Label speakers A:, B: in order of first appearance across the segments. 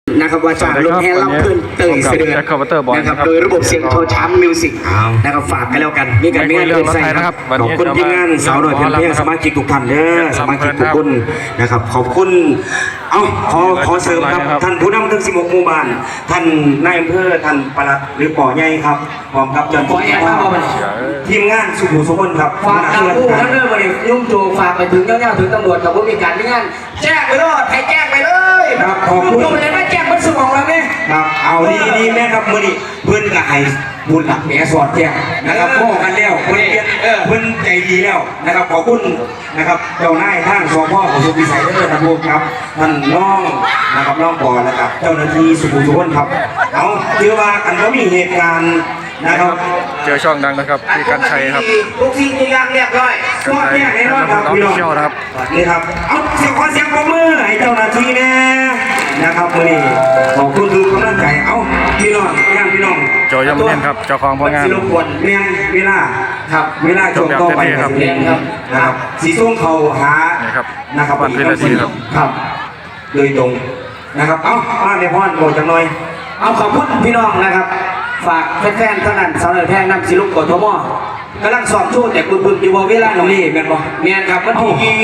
A: นะครับว่าจากรถแห่รับขึ้นเตยเสด็จนะครับโดยระบบเสียงโทรช้ำมิวสิกนะครับฝากกันแล้วกันมีการเกินใส่ครับขอบคุณทีมงานสาวหน่อยเพียงเพียงสมาชิกทุกท่านเด้อสมาชิกทุกคนนะครับขอบคุณขอเสริมครับท่านผู้นำทั้ง16หมู่บ้านท่านนายอำเภอท่านปลัดหรือป่อใหญ่ครับพร้อมกับเจ้าหน้าที่ทีมงานสุขุมสุขนครับ
B: ฝากกับผู้ท่านเรื่องบริยุ่งโจฝากไปถึงเจ้าหน้าถึงตำรวจกับผู้มีการที่งานแจ้งไปเลยใครแจ้งไปเลย
A: ครับขอบคุณ
B: เลยไม่แจ้งมันสมองเราเนี่ย
A: ครับเอาดีแม่ครับมือนี้เพื่อนกับไอ้บุญหลักแม่สอดแจ้งนะครับพ่อกันแล้วเพื่อนใจดีแล้วนะครับขอบคุณนะครับเจ้านายท่านสองพ่อของสุพิสัยเด้อท่านผู้ครับท่านน้องนะครับน้องปอนะครับเจ้าหน้าที่สุขุมสุขนครับเอาถือว่ากันก็มีเหตุการณ์นะครับ
C: เจอช่องดังนะครับพี่กันชัยครับ
B: ทุกสิ่งทุกอย่างเรียบร้อย
A: สอดแจ้งแน่นอนครับพี่น้องนี่ครับเอาเสียงขอเสียงปรบมือให้เจ้าหน้าที่แน่นะครับมือนี้ขอบคุณทุกกำลังใจเอาพี่น้องพี่น้อง
C: โจยมเล่นครับเจ้าของผลงาน
A: รบกวนเมียนเวลาครับเวลาจบต่อไปครับนะครับสีส้มเขาหานะครับ
C: วันเป็นนาที
A: ครับโดยตรงนะครับเอามาในพ่อนโบจังหน่อย
B: เอาขอบคุณพี่น้องนะครับฝากแฟนๆเท่านั้นสาวแพงนำสิลุกกดทมกำลังสอบชูแต่คุณบึงอยู่เวลาหนุ่มนี่แม่นบ่แม่นครับวันที่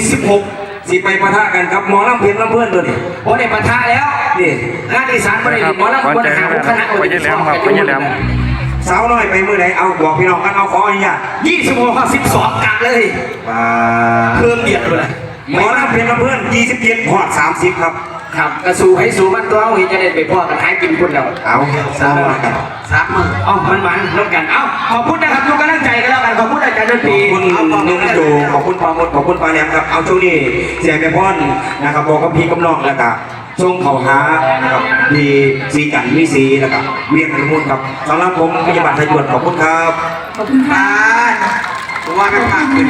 B: 16
A: สิไปปะทะกันครับหมอลำเพียนลำเพื่อนตัวนี้
B: โอ้ได้ปะทะแล้วนี่งานอีสานบ่ได้หมอลำคนหาคณะ
C: ไปยืนแหลมครับไปยืนแหลม
A: สาวน้อยไปมือไหนเอาบอกพี่น้องกันเอาขออนุญาต
B: 26-12กะเลยเพิ่มเดียดเลย
A: หมอลำเพียนลำเพื่อน27 พอด 30ครับ
B: ครับกระสูให้สูมันตัวเอาเห็นจะได้ไปพ่อกันขายกินคุณเรา
A: เอา3 มื้อ
B: มันน้องกันเอาขอบคุณนะครับทุกกำลังใจกันแล้วกันขอบคุณอาจารย์ดนตรี
A: ขอบคุณนุ่มโจขอบคุณปาหมดขอบคุณปาแหลมครับเอาช่วงนี้เสียแม่พ่อนนะครับบอกกับพี่กำนองแล้วก็ช่วงเขาหานะครับมีสีจันทร์มีสีแล้วก็เวียงพิมุนครับสำหรับผมพยาบาลไทยด่วนขอบคุณครับ
B: ขอบคุณค่ะว่าไม่ผ่าน